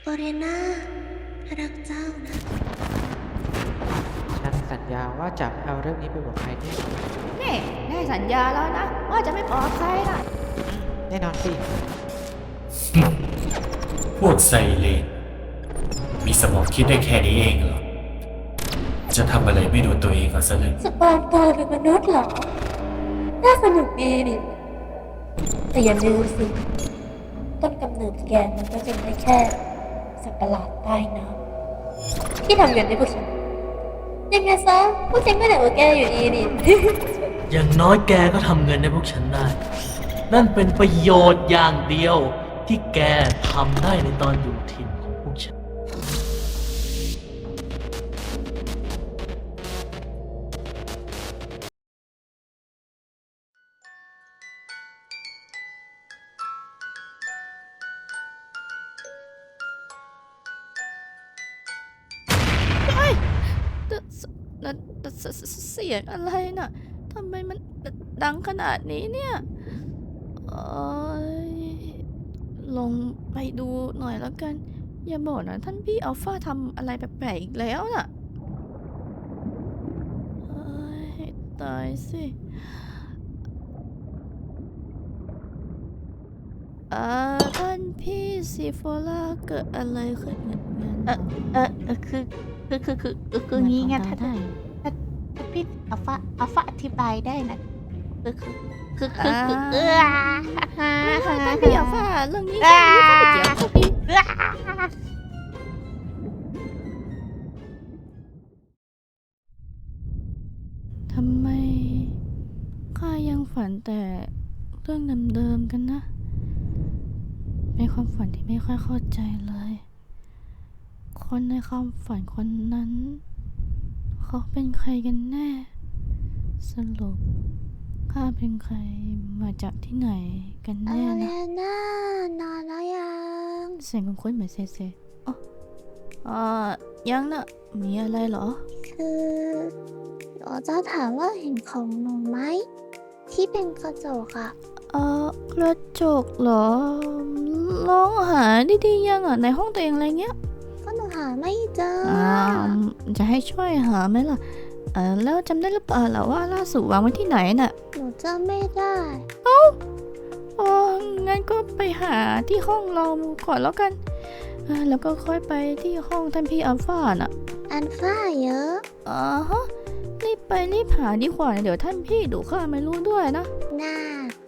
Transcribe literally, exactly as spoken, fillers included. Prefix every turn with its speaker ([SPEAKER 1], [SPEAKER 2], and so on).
[SPEAKER 1] เรน่ารักเจ้านะ
[SPEAKER 2] ฉันสัญญาว่าจะไม่เอาเรื่องนี้ไปบอกใครแน่นอน
[SPEAKER 3] นี่ได้สัญญาแล้วนะว่าจะไม่บอกใครนะ
[SPEAKER 2] แน่นอนสิ
[SPEAKER 4] พวกไซเลนมีสมองคิดได้แค่นี้เองเหรอ จะทำอะไรไม่ดูตัวเองก่อนซะเลย
[SPEAKER 1] สปอนตัวเป็นมนุษย์เหรอ น่าสนุกดีดิแต่อย่าลืมสิ ต้นกำเนิดแกมันก็เป็นได้แค่สัตว์ประหลาดใต้น้ำที่ทำเงินให้พวกฉัน ยังไงซะพวกฉันก็เหนือกว่าแกอยู่ดีดิ
[SPEAKER 5] อย่างน้อยแกก็ทำเงินให้พวกฉันได้ นั่นเป็นประโยชน์อย่างเดียวที่แกทำได้ในตอนอยู่ทีมของพวกฉัน
[SPEAKER 3] นั่นเสียงอะไรน่ะทำไมมันดังขนาดนี้เนี่ยเอยลงไปดูหน่อยแล้วกัน อย่าบอกนะท่านพี่อัลฟาทำอะไรแปลกๆอีกแล้วน่ะเอ้ยตายสิเอ่อท่านพี่ซีโฟล่าเกิดอะไรขึ้นเออเออเออคือคือคือคือคือคืองี้ไงท่านท่านพี่อัลฟาอัลฟาอธิบายได้นะคือคือคือคือคือเออท่านพี่อัลฟาเรื่องนี้ไม่เข้าไปเกี่ยวท่านพี่ทำไมข้ายังฝันแต่เรื่องเดิมๆกันนะเป็นความฝันที่ไม่ค่อยเข้าใจเลย คนในความฝันคนนั้น เขาเป็นใครกันแน่ สรุปข้าเป็นใครมาจากที่ไหนกันแน่นะ
[SPEAKER 1] น่านอนแล้วยัง
[SPEAKER 3] เสียงคุ้นๆเหมือนเซเซอ๋ออ่ายังนะมีอะไรเหรอ
[SPEAKER 1] คือหนูจะถามว่าเห็นของหนูไหม ที่เป็นกระจกอะ
[SPEAKER 3] เออกระจกเหรอ ลองหาดีๆยังอ่ะในห้องตัวเองอะไรเงี้ย
[SPEAKER 1] ก็หนูหาไม่เจอ
[SPEAKER 3] อ่าจะให้ช่วยหาไหมล่ะ เออแล้วจำได้หรือเปล่าล่ะว่าล่าสุดวางไว้ที่ไหนน่ะ
[SPEAKER 1] หนูจำไม่ได้
[SPEAKER 3] อ๋องั้นก็ไปหาที่ห้องเราก่อนแล้วกันอ่าแล้วก็ค่อยไปที่ห้องท่านพี่อัลฟาน่ะ
[SPEAKER 1] อันฟ้าเยอะ
[SPEAKER 3] อ่าฮะรีบไปรีบหาดีกว่าเดี๋ยวท่านพี่ดูข้าไม่รู้ด้วยนะ
[SPEAKER 1] น่า